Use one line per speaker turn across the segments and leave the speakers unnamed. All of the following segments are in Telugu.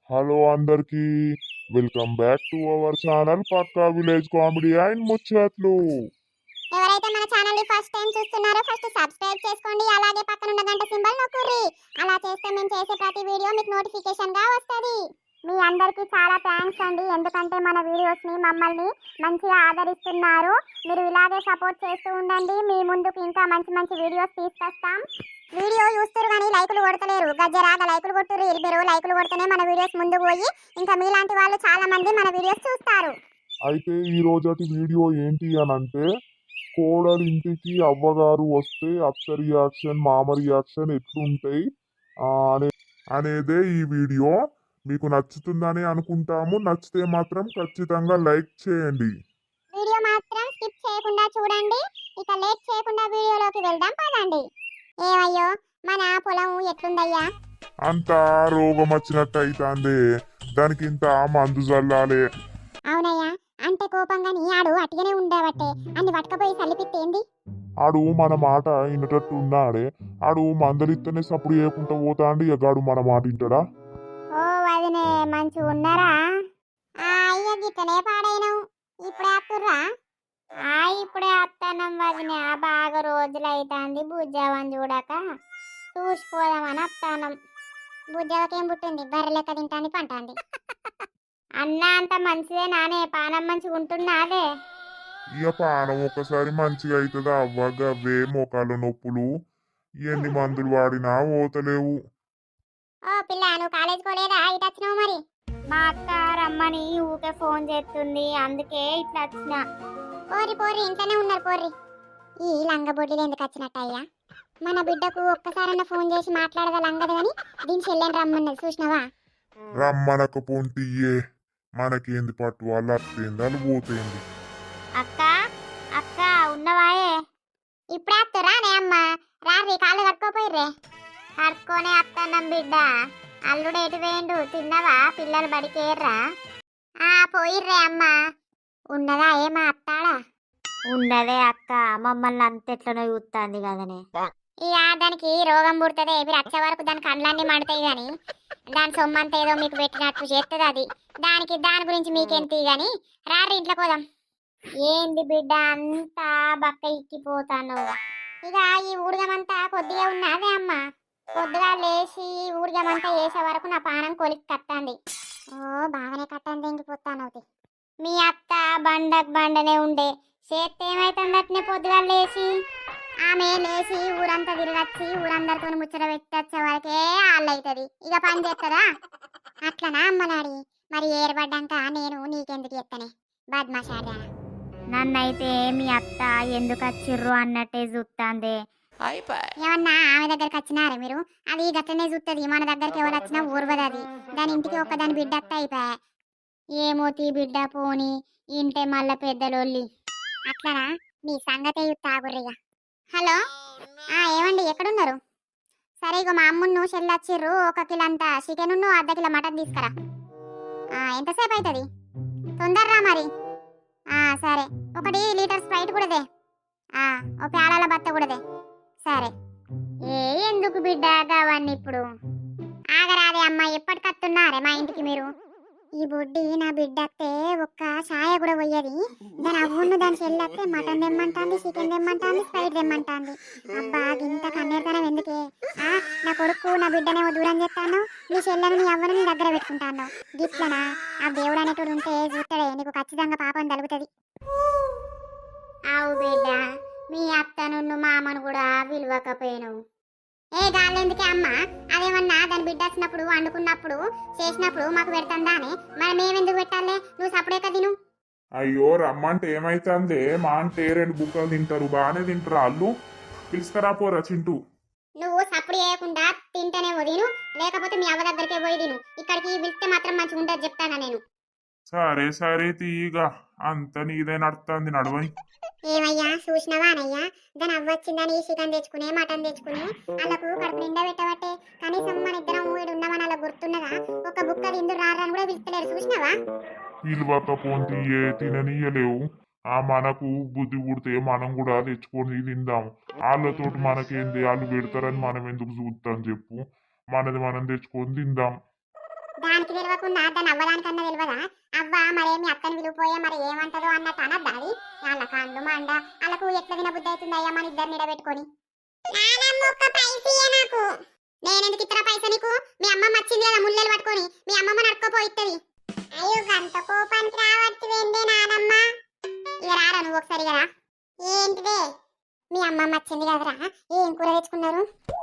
హలో అందరికి welcome back to our channel పక్కా విలేజ్ కామెడీ అండ్ ముచ్చట్లు.
ఎవరైతే మన ఛానల్ ని ఫస్ట్ టైం చూస్తున్నారో ఫస్ట్ సబ్స్క్రైబ్ చేసుకోండి, అలాగే పక్కన ఉన్న గంట సింబల్ నొక్కుర్రి. అలా చేస్తే మేము చేసే ప్రతి వీడియో మీకు నోటిఫికేషన్ గా వస్తది. మీ అందరికీ చాలా థ్యాంక్స్ అండి, ఎందుకంటే మన వీడియోస్ ని మమ్మల్ని మంచిగా ఆదరిస్తున్నారు. మీరు ఇలాగే సపోర్ట్ చేస్తూ ఉండండి, మీ ముందుకు ఇంకా మంచి మంచి వీడియోస్ తీసుకొస్తాం. వీడియో చూస్తారు కానీ లైకులు కొడతలేరు, గజ్జరాగా లైకులు కొట్టుర్రు. మీరు లైకులు కొడితేనే మన వీడియోస్ ముందుకు పోయి ఇంకా మీలాంటి వాళ్ళు చాలా మంది మన వీడియోస్ చూస్తారు.
అయితే ఈ రోజటి వీడియో ఏంటి అని అంటే, కోడలి ఇంటికి అవ్వగారు వస్తే అత్త రియాక్షన్ మామ రియాక్షన్ ఎట్లుంటాయి అనేదే ఈ వీడియో. మీకు నచ్చుతుందని అనుకుంటాము. నచ్చితే మాత్రం ఖచ్చితంగా లైక్ చేయండి.
వీడియో మాత్రం స్కిప్ చేయకుండా చూడండి. ఇక లేట్ చేయకుండా వీడియోలోకి వెళ్దాం పదండి. ఏమయ్యో మన పొలం ఎట్లుందయ్యా?
అంతా రోగం వచ్చినట్టు అయితాందే, దానికి ఇంత మందు చల్లాలే.
అవునయ్యా, అంటే కోపంగా నీ ఆడు అట్టిగానే ఉండబట్టే అన్ని పట్టుకపోయి చల్లిపిత్తేంది?
ఆడు మన మాట వినటట్టు ఉన్నాడే. ఆడు మందలిత్తనే సప్పుడు చేయకుండా పోతాండి. ఎగాడు మన మాట వింటాడా?
ఓ వదినే మంచిగా ఉన్నారా? అయ్య గిట్టనే పాడైనవు, ఇప్పుడే అత్తుర్రా? ఇప్పుడే అత్తనం వదినే, బాగా రోజులైతాంది బుజ్జావని చూడక చూసిపోదామని అత్తానం. బుజ్జావకేం పుట్టింది? బర్రె లెక్క తింటాంది పంటాంది. అన్న అంత మంచిదే నానే, పానం మంచిగా ఉంటున్నాదే.
ఇక పానం ఒకసారి మంచిగా అవుతుందా అవ్వ? గవ్వే మోకాళ్ళ నొప్పులు ఎన్ని మందులు వాడినా పోతలేవు.
ఓ పిల్ల, నువ్వు కాలేజ్ పోలేదా? ఇటు వచ్చినావు మరి? మా అక్క రమ్మని ఊకే ఫోన్ చేస్తుంది, అందుకే ఇట్లా వచ్చిన. పోరి పోరి, ఇంట్లోనే ఉన్నారు పోరి. ఈ లంగబొడ్డిలు ఎందుకు వచ్చినట్టయ్యా? మన బిడ్డకు ఒక్కసారన్నా ఫోన్ చేసి మాట్లాడదా లంగదు గాని దీని చెల్లెని రమ్మన్నది చూసినావా?
రమ్మనకపోంటియే, మనకేంది పట్టు? వాళ్ళు అత్తేంది వాళ్ళు పోతేంది.
అక్క అక్క ఉన్నవాయే? ఇప్పుడే అత్తరా నే అమ్మ? రారి కాళ్ళు కట్టుకోపోయిర్రే. కట్టుకోనే అత్తన్నం బిడ్డ. అల్లుడు ఎటు వేయండు? తిన్నవా? పిల్లలు బడికేర్రా? పోయిర్రే అమ్మ. ఉన్నదా ఏమా అత్తాడా?
ఉన్నదే అక్క, మమ్మల్ని అంతెట్లనో చూస్తుంది కదనే.
ఇక దానికి రోగం పుడుతుంది, మీరు వచ్చే వరకు దాని కండ్లన్నీ మండుతాయి గాని దాని సొమ్మంతా ఏదో మీకు పెట్టినట్టు చేస్తుంది అది. దాని గురించి మీకెంత గాని రారి ఇంట్లో పోదాం. ఏంది బిడ్డ అంతా బక్క ఇక్కిపోతాను? ఇక ఈ ఊడిగమంతా కొద్దిగా ఉన్నదే అమ్మ. కొద్దిగా లేచి ఊడిగమంతా వేసే వరకు నా పానం కొలికి కట్టండి. ఓ బాగానే కట్టండి, ఇంకిపోతాను. మీ అత్త బండనే ఉండే చేస్తే ఏమైతుంది అట్నే పొద్దుగా లేచి? ఆమె లేచి ఊరంతా తిరగచ్చి ఊరందరితో ముచ్చట పెట్టచ్చే వరకే ఆళ్ళైతుంది. ఇక పని చేస్తుందా? అట్లనా అమ్మనాడి? మరి ఏర్పడ్డాక నేను నీకెందుకు చెప్తానే బద్మాషాడా?
నన్నైతే మీ అత్త ఎందుకు వచ్చిర్రు అన్నట్టే చూస్తాందే.
ఏమన్నా ఆమె దగ్గరికి వచ్చినారే మీరు? అది గట్లనే చూస్తుంది, మన దగ్గరికి ఎవరు వచ్చినా ఊర్వదు అది. దాని ఇంటికి ఒక్కదాని బిడ్డ అత్త అయిపోయా. ఏమోతి బిడ్డ పోని ఇంటే మళ్ళా పెద్దలోళ్ళి. అట్లనా? మీ సంగతే తాగుర్రిగా. హలో, ఏమండి ఎక్కడున్నారు? సరే ఇగో మా అమ్మును చెల్లొచ్చిర్రు, 1 కిలో అంతా చికెన్, అర్ధ కిలో మటన్ తీసుకురా. ఎంతసేపు అవుతుంది? తొందరరా మరి. సరే, 1 లీటర్ స్ప్రైట్ కూడాదే. ఓ ప్యాలాల బత్త కూడాదే. సరే. ఎందుకు బిడ్డ అవన్నీ ఇప్పుడు? ఆగరాదే అమ్మ, ఎప్పటికత్తున్నారే మా ఇంటికి మీరు? ఈ బొడ్డి నా బిడ్డ అత్తే ఒక్క ఛాయ కూడా పోయేది. దాని అవ్వును దాని చెల్లెత్తే మటన్ తెమ్మంటాంది, చికెన్ తెమ్మంటాంది, స్ప్రైట్ తెమ్మంటాంది. అబ్బా ఇంత కన్నీరుతనం ఎందుకే? నా కొడుకు నా బిడ్డనేమో దూరం చేస్తాను, నీ చెల్లెని నీ అవ్వను నీ దగ్గర పెట్టుకుంటాను. గిట్లనా? ఆ దేవుడు అనేటోడు ఉంటే చూస్తాడే, నీకు ఖచ్చితంగా పాపం తలుగుతుంది. అవు బిడ్డ, మీ అత్తను మామను కూడా విలువకపోయాను. గాలెందుకే అమ్మ? అదేమన్నా దాని బిడ్డ వచ్చినప్పుడు వండుకున్నప్పుడు చేసినప్పుడు మాకు పెడతాందానే, మరి మేమెందుకు పెట్టాలే? నువ్వు సప్పుడే కదా తిను.
అయ్యో రమ్మంటే ఏమైతుందే? మా అంటే 2 బుక్కలు తింటారు, బాగానే తింటారు వాళ్ళు. పిలుస్తారా పోరా చింటూ?
నువ్వు సప్పుడు చేయకుండా తింటేనే తిను, లేకపోతే మీ అవ్వ దగ్గరికే పోయి తిను. ఇక్కడికి పిలిస్తే మాత్రం మంచిగా ఉండదు చెప్తానా నేను.
సరే సరే తీయగా, అంత నీదే నడుతుంది నడవని.
ఏమయ్యా చూసినవా అనయ్యా? దాని అవ్వచ్చిందని చికెన్ తెచ్చుకునే మటన్ తెచ్చుకునే వాళ్ళకు కడుపు నిండా పెట్టబట్టే కనీసం మన ఇద్దరం ఉన్నామని అలా గుర్తున్నదా? ఒక బుక్క తిందు రారని కూడా పిలుస్తలేరు చూసినావా?
పిలువకపోతే తిననీయలేవు. మనకు బుద్ధి పుడితే మనం కూడా తెచ్చుకొని తిందాం. వాళ్ళతోటి మనకేంది? వాళ్ళు పెడతారని మనం ఎందుకు చూద్దాం చెప్పు? మనది మనం తెచ్చుకొని తిందాం.
దానికి తెలియకుండా దాని అవ్వడానికన్నా తెలియదా? అవ్వ మరేమి అత్తని విలువపోయా మరి ఏమంటదో అన్నట్టు అనద్దా అది? వాళ్ళ కాళ్ళు మండ వాళ్ళకు ఎట్లా తినబుద్ధి అవుతుంది అయ్యా మన ఇద్దరు నిడబెట్టుకొని. నేనెందుకు ఇతర పైస నీకు? మీ అమ్మమ్మ వచ్చింది కదా ముల్లెలు పట్టుకొని, మీ అమ్మమ్మ నడుకోపోయిత్తది. అయ్యో గంత కోపానికి రావచ్చు ఏందే నానమ్మ? ఇక రారా నువ్వు ఒకసారి కదా. ఏంటిదే? మీ అమ్మమ్మ వచ్చింది కదరా, ఏం కూర తెచ్చుకున్నారు?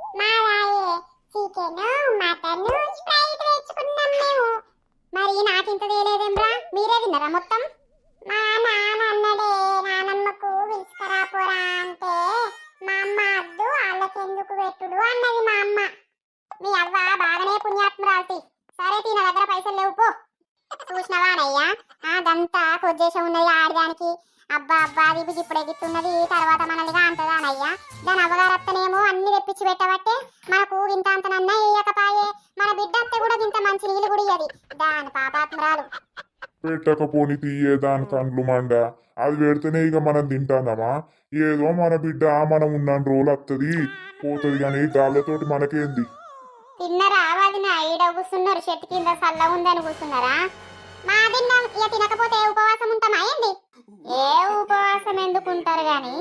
చికెన్ మటన్ స్ప్రైట్ తెచ్చుకున్నాం మేము. మరి నాకింత తేలేదేమ్రా, మీరే తిన్నారా మొత్తం? మా నాన్న అన్నడే నానమ్మకు విసుకరాపోరా అంటే మా అమ్మ అద్దు వాళ్ళకెందుకు పెట్టుడు అన్నది మా అమ్మ. మీ అవ్వ బాగానే పుణ్యాత్మరాల్తి. సరే తిన దగ్గర పైసలు లేవు పో. చూసినవానయ్యా అదంతా కొద్దేశం ఉన్నది ఆడదానికి. అబ్బా అబ్బా అది ఇప్పుడు ఎగిస్తున్నది తర్వాత మనల్నిగా అంటదానయ్యా. దాని అవ్వగారత్తనేమో అన్ని తెప్పించి పెట్టబట్టే మనకు ఇంత అంతనన్నా వేయకపాయే. మన బిడ్డ అత్త కూడా ఇంత మంచి నీళ్ళు కూడా ఇయ్యది. దాని పాపాత్మరాలు.
పెట్టకపోని తీయే దాని కండ్లు మండ. అది పెడితేనే ఇక మనం తింటానమా? ఏదో మన బిడ్డ మనం ఉన్న రోజులు వస్తుంది పోతుంది కానీ గాళ్ళతోటి మనకేంది?
తిన్నరా వదిన? ఈడ కూర్చున్నారు చెట్టు కింద చల్ల ఉందని కూర్చున్నారా? మా తిన్నాం ఇక తినకపోతే ఉపవాసం ఉంటామా ఏంది? ఏ ఉపవాసం ఎందుకుంటారు గాని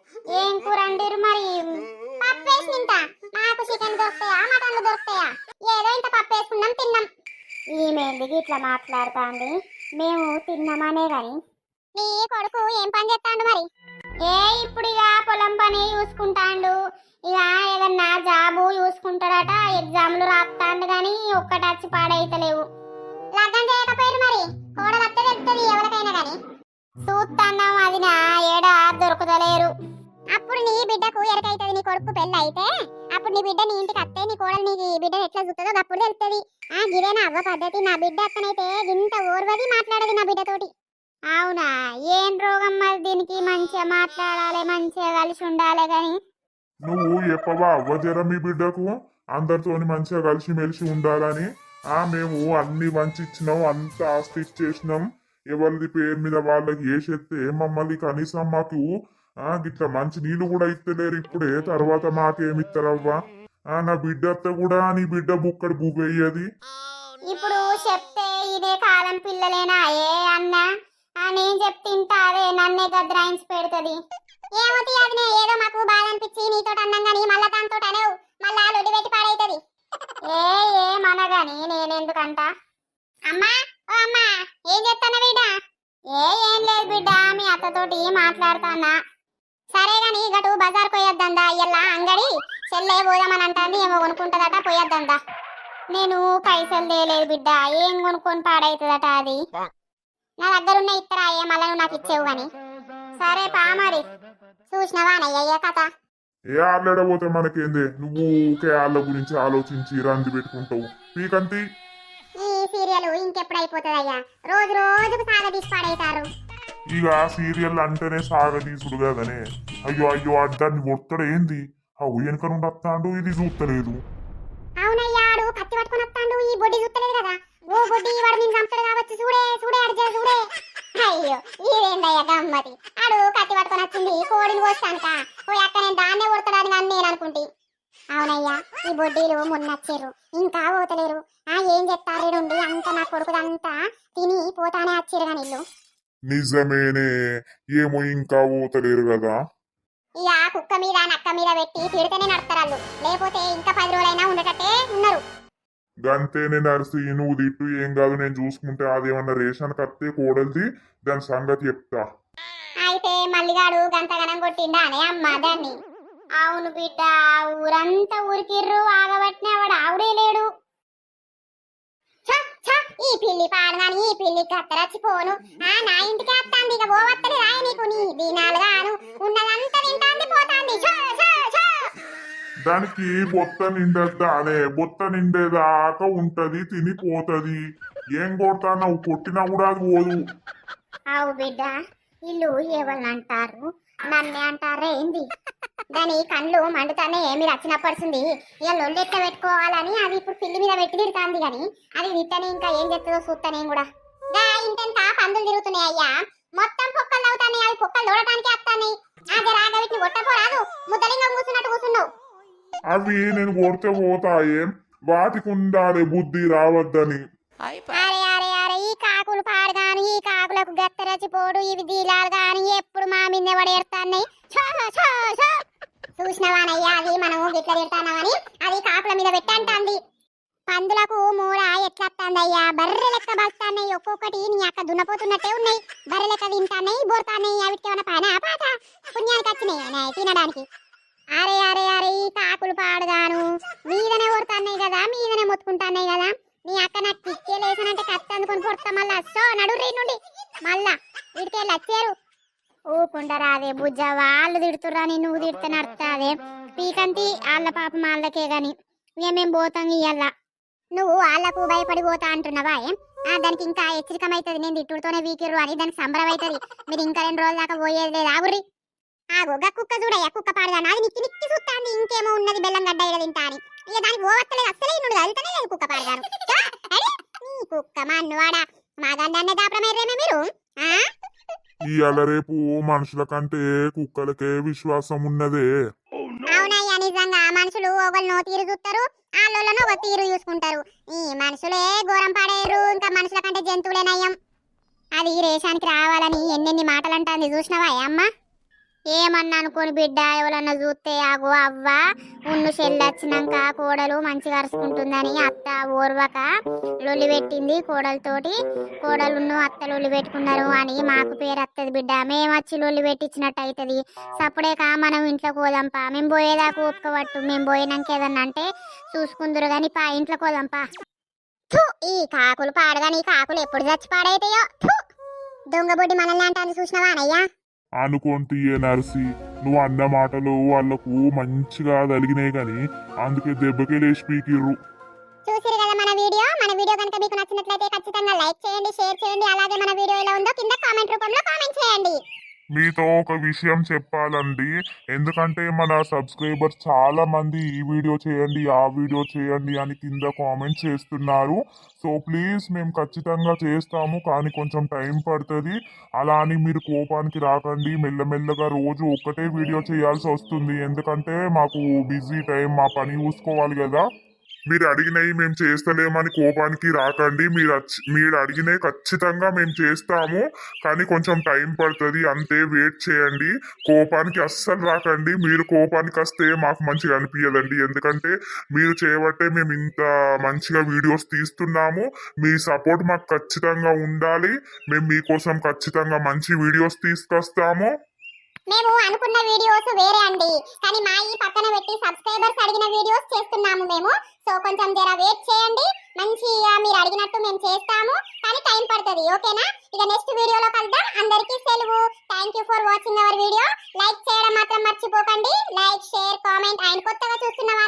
ఏం కూర అంటారు మరి? పప్పేసి తింటా. నాకు చికెన్ దొరుకుతాయా మటన్లు దొరుకుతాయా? ఏదో ఇంత పప్పు వేసుకున్నాం తిన్నాం. ఈమెందుకు ఇట్లా మాట్లాడుతాంది? మేము తిన్నామనే గాని నీ కొడుకు ఏం పని చేస్తాడు మరి? ఇప్పుడు ఇక పొలం పని చూసుకుంటాండు. ఇక ఏదన్నా జాబు చూసుకుంటాడట. ఎగ్జామ్లు రాస్తాండు గాని ఒక్కటచ్చి పాడైతలేవు. లగ్గం చేయకపోయారు మరి? కోడలు అత్తే తెలుస్తుంది ఎవరికైనా గాని. చూస్తాన్నాం అది నా ఏడా దొరుకుతలేరు. అప్పుడు నీ బిడ్డకు ఎరకైతుంది నీ కొడుకు పెళ్ళి అయితే. అప్పుడు నీ బిడ్డ నీ ఇంటికి అత్తే నీ కోడలు నీ బిడ్డ ఎట్లా చూస్తుందో అప్పుడు తెలుస్తుంది. గిదేనా అవ్వ పద్ధతి? నా బిడ్డ అత్తనైతే ఇంత ఓర్వది మాట్లాడదు నా బిడ్డతోటి. అవునా? ఏం రోగం మరి దీనికి? మంచిగా మాట్లాడాలి, మంచిగా కలిసి ఉండాలి గాని.
నువ్వు చెప్పవా అవ్వజర మీ బిడ్డకు అందరితోని మంచిగా కలిసి మెలిసి ఉండాలని? మేము అన్ని మంచి ఇచ్చినాం, అంత ఆస్తి ఇచ్చేసినాం. ఎవరిది పేరు మీద వాళ్ళకి వేసేస్తే మమ్మల్ని కనీసం మాకు గిట్లా మంచి నీళ్ళు కూడా ఇస్తలేరు ఇప్పుడే. తర్వాత మాకేమిస్తారవ్వా? నా బిడ్డ అత్త కూడా నీ బిడ్డ బుక్కడి బువ్వెయ్యది.
ఇప్పుడు చెప్తే ఇదే కాలం పిల్లలేనా ఏ అన్న? నేను చెప్తింటా అదే నన్నే గద్రాయించి పెడుతుంది. ఏమవుతుంది అది? ఏదో మాకు బాధ అనిపించి నీతో అన్నాం గానీ మళ్ళా దాంతో అనేవు. మళ్ళా లొడి పెట్టి పాడైతుంది. ఏమనగాని నేనెందుకంట? అమ్మా ఓ అమ్మా ఏం చెప్తానా బిడ్డ? ఏం లేదు బిడ్డ, మీ అత్తతోటి మాట్లాడతానా. సరే గాని గటు బజార్ పోయొద్దందా ఇయ్యల్లా అంగడి చెల్లె పోదామని అంటాంది. ఏమో కొనుక్కుంటదట, పోయొద్దందా. నేను పైసలు తేలేదు బిడ్డ, ఏం కొనుక్కొని పాడైతుందట అది. నా దగ్గర ఉన్న ఇత్తరా మళ్ళా నువ్వు నాకు ఇచ్చేవు గాని. సరే పా మరి. చూసినవానయ్య కథ.
ఏ ఆళ్ళెడబోతే మనకేందే? నువ్వు ఊకే ఆళ్ళ గురించి ఆలోచించి రంది పెట్టుకుంటావు. పీకంతి
ఈ సీరియల్ ఇంకెప్పుడు అయిపోతుందయ్యా? రోజు రోజుకు సాగదీసి పాడైతారు.
ఇక సీరియల్ అంటేనే సాగదీసుడు కదనే. అయ్యో అయ్యో అడ్డాన్ని కొట్టడు ఏంది? అవు వెనక నుండి వస్తాడు, ఇది చూస్తలేదు.
అవునయ్యా ఆడు కత్తి పట్టుకొని వస్తాడు, ఈ బొడ్డి చూస్తలేదు కదా. ఓ బొడ్డి వాడు నేను చంపుతాడు కావచ్చు. చూడే చూడే అడిచే చూడే. అయ్యో ఇదేందయ్యా గమ్మతి? ఆడు కత్తి పట్టుకొని వచ్చింది కోడిని కోస్తానుక. పోయి అక్క నేను దాన్నే కొడతాడని కానీ నేను అనుకుంటే. అవునయ్యా ఈ బొడ్డీలు మొన్న వచ్చారు, ఇంకా పోతలేరు. ఏం చెప్తారు ఉండి అంత నా కొడుకుదంతా తిని పోతానే వచ్చారు కానీ ఇల్లు.
నిజమేనే, ఏమో ఇంకా పోతలేరు కదా.
ఇక కుక్క మీద నక్క మీద పెట్టి తిడితేనే నడతారు, లేకపోతే ఇంకా 10 రోజులైనా ఉండటట్టే ఉన్నారు.
గంతేనే నర్సి, నువ్వు తిట్టు ఏం కాదు, నేను చూసుకుంటే. అదేమన్నా రేషన్ కత్తే కోడలిది, దాని సంగతి చెప్తా.
అయితే మల్లిగాడు గంతగనం కొట్టిండా అనే అమ్మ దాన్ని? అవును బిడ్డ, ఊరంతా ఊరికిర్రు ఆగబట్టిన వాడు ఆవిడే లేడు. ఈ పిల్లి పాడగాని ఈ పిల్లి కత్తరచ్చిపోను. నా ఇంటికి వస్తాంది, ఇక పోవత్తని రాయి నీకు. నీ దీనాలు గాను ఉన్నదంతా తింటాంది పోతాంది.
దానికి బొత్త నిండద్దా అనే? బొత్త నిండేదాకా ఉంటది, తినిపోతది. ఏం కొడతా? నువ్వు కొట్టినా కూడా అది పోదు.
అవు బిడ్డ, ఇల్లు ఎవరిని అంటారు? నన్నే అంటారే ఏంది? దాని కళ్ళు మండుతానే మీరు వచ్చినప్పడుతుంది. ఇక లొల్లెట్ట పెట్టుకోవాలని అది ఇప్పుడు పిల్లి మీద పెట్టి తిడుతుంది కానీ అది తిట్టని ఇంకా ఏం చెప్తుందో చూస్తా నేను కూడా. ఇంటెంత పందులు తిరుగుతున్నాయి అయ్యా, మొత్తం పొక్కలు అవుతాయి. అవి పొక్కలు దూడటానికి వస్తాయి. రాగవిటిని కొట్టపోరాదు, ముద్దలింగా కూర్చున్నట్టు కూర్చున్నావు.
అవి నేను కొడితే పోతాయే, వాటికి ఉండాలి బుద్ధి రావద్దని.
అరే అరే అరే ఈ కాకులు పాడగాను ఈ కాకులకు గత్తరచిపోడు ఇవి దీలాలు గాని ఎప్పుడు మా మీద పడేస్తాన్నాయి చూసినవానయ్యా అది మనము గిట్ల తిడతానమని అది కాకుల మీద పెట్టంటాంది పందులకు మూడ ఎట్లత్తాందయ్యా బర్రె లెక్క బస్తాన్నాయి ఒక్కొక్కటి నీ అక్క దున్నపోతున్నట్టే ఉన్నాయి బర్రె లెక్క తింటాన్నాయి బోర్తాన్నాయి అవిటికి ఏమైనా పైన పాట పుణ్యానికి వచ్చినాయి తినడానికి అరే అరే అరే ఈ కాకులు పాడగాను మీదనే కొడతాన్నాయి కదా మీదనే మొత్తుకుంటాన్నాయి కదా నీ అక్క నాకు కిక్కే లేసానంటే కత్తి అందుకొని కొడతా మళ్ళా సో నడుర్రీ నుండి మళ్ళా వీడికెళ్ళి వచ్చారు ఊకుండరాదే బుజ్జ వాళ్ళు తిడుతుర్రాని నువ్వు తిడితే నడుతాదే పీకంతి వాళ్ళ పాపం వాళ్ళకే గాని ఇక మేము పోతాం ఇయ్యాల నువ్వు వాళ్ళకు భయపడి పోతా అంటున్నావా దానికి ఇంకా హెచ్చరికమైతుంది నేను తిట్టుడుతోనే వీకిర్రు అని దానికి సంబరం అవుతుంది మీరు ఇంకా 2 రోజుల దాకా పోయేది లేదు ఆగుర్రి ఆగోగా కుక్క చూడయ్యా కుక్క పాడగాను అది నిక్కి నిక్కి చూస్తాంది ఇంకేమో ఉన్నది బెల్లం గడ్డ ఇక తింటా అని ఇక దానికి పోవత్తలేదు అసలే నుండి వెళ్తానే లేదు కుక్క పాడగాను నీ కుక్క మా అన్నవాడా మా గండాన్నే దాపరమేరేమే మీరు
ఇవాళ రేపు మనుషుల కంటే కుక్కలకే విశ్వాసం ఉన్నదే.
అవునయ్యా నిజంగా మనుషులు ఒకళ్ళు నో తీరు చూస్తారు వాళ్ళను ఒక తీరు చూసుకుంటారు ఈ మనుషులే ఘోరం పాడేరు ఇంకా మనుషుల కంటే జంతువులే నయం అది రేషానికి రావాలని ఎన్నెన్ని మాటలు అంటుంది చూసినవా అమ్మ ఏమన్నా అనుకోని బిడ్డ ఎవరన్నా చూస్తే ఆగో అవ్వ ఉన్ను చెల్లొచ్చినాక కోడలు మంచిగా అరుచుకుంటుందని అత్త ఓర్వక లొల్లి పెట్టింది కోడలతోటి కోడలున్ను అత్త లొల్లి పెట్టుకున్నారు అని మాకు పేరు వస్తుంది బిడ్డ మేము వచ్చి లొల్లి పెట్టించినట్టు అవుతుంది సప్పుడేక మనం ఇంట్లోకి పోదాంపా మేము పోయేదాకా ఒప్పుకోవట్టు మేము పోయినాక ఏదన్నా అంటే చూసుకుందరు కానీ పా ఇంట్లోకి పోదాంపా ఈ కాకులు పాడగాని ఈ కాకులు ఎప్పుడు చచ్చి పాడైతాయో దొంగబొడ్డి మనల్ని అంటాను చూసినవా అనయ్యా
అనుకుంటే నర్సి నువ్వు అన్న మాటలు వాళ్లకు మంచిగా తలిగినాయి గాని అందుకే దెబ్బకే లేచి పీకిర్రు.
చూసిరు కదా మన వీడియో కనుక మీకు నచ్చినట్లయితే ఖచ్చితంగా లైక్ చేయండి షేర్ చేయండి అలాగే మన వీడియో ఎలా ఉందో కింద కామెంట్ రూపంలో కామెంట్ చేయండి.
మీతో ఒక విషయం చెప్పాలండి ఎందుకంటే మన సబ్స్క్రైబర్స్ చాలా మంది ఈ వీడియో చేయండి ఆ వీడియో చేయండి అని కింద కామెంట్ చేస్తున్నారు. సో ప్లీజ్ మేము ఖచ్చితంగా చేస్తాము కానీ కొంచెం టైం పడుతుంది. అలా అని మీరు కోపానికి రాకండి మెల్లమెల్లగా రోజు ఒక్కటే వీడియో చేయాల్సి వస్తుంది ఎందుకంటే మాకు బిజీ టైం మా పని చూసుకోవాలి కదా. మీరు అడిగినవి మేము చేస్తలేమని కోపానికి రాకండి మీరు అడిగినవి ఖచ్చితంగా మేము చేస్తాము కానీ కొంచెం టైం పడుతుంది అంతే వెయిట్ చేయండి. కోపానికి అస్సలు రాకండి మీరు కోపానికి వస్తే మాకు మంచిగా అనిపించదండి ఎందుకంటే మీరు చేయబట్టే మేము ఇంత మంచిగా వీడియోస్ తీస్తున్నాము. మీ సపోర్ట్ మాకు ఖచ్చితంగా ఉండాలి. మేము మీకోసం ఖచ్చితంగా మంచి వీడియోస్ తీసుకొస్తాము.
మేము అనుకున్న వీడియోస్ వేరే అండి కానీ మా ఈ పక్కన పెట్టి సబ్స్క్రైబర్స్ అడిగిన వీడియోస్ చేస్తున్నాము మేము. సో కొంచెం జర వెయిట్ చేయండి మంచిగా మీరు అడిగినట్టు మేము చేస్తాము కానీ టైం పడుతుంది ఓకేనా. ఇక నెక్స్ట్ వీడియోలో కలుద్దాం. అందరికీ సెలవు. Thank you for watching our video. Like చేయడం మాత్రం మర్చిపోకండి. లైక్ షేర్ కామెంట్ అండ్ కొత్తగా చూస్తున్న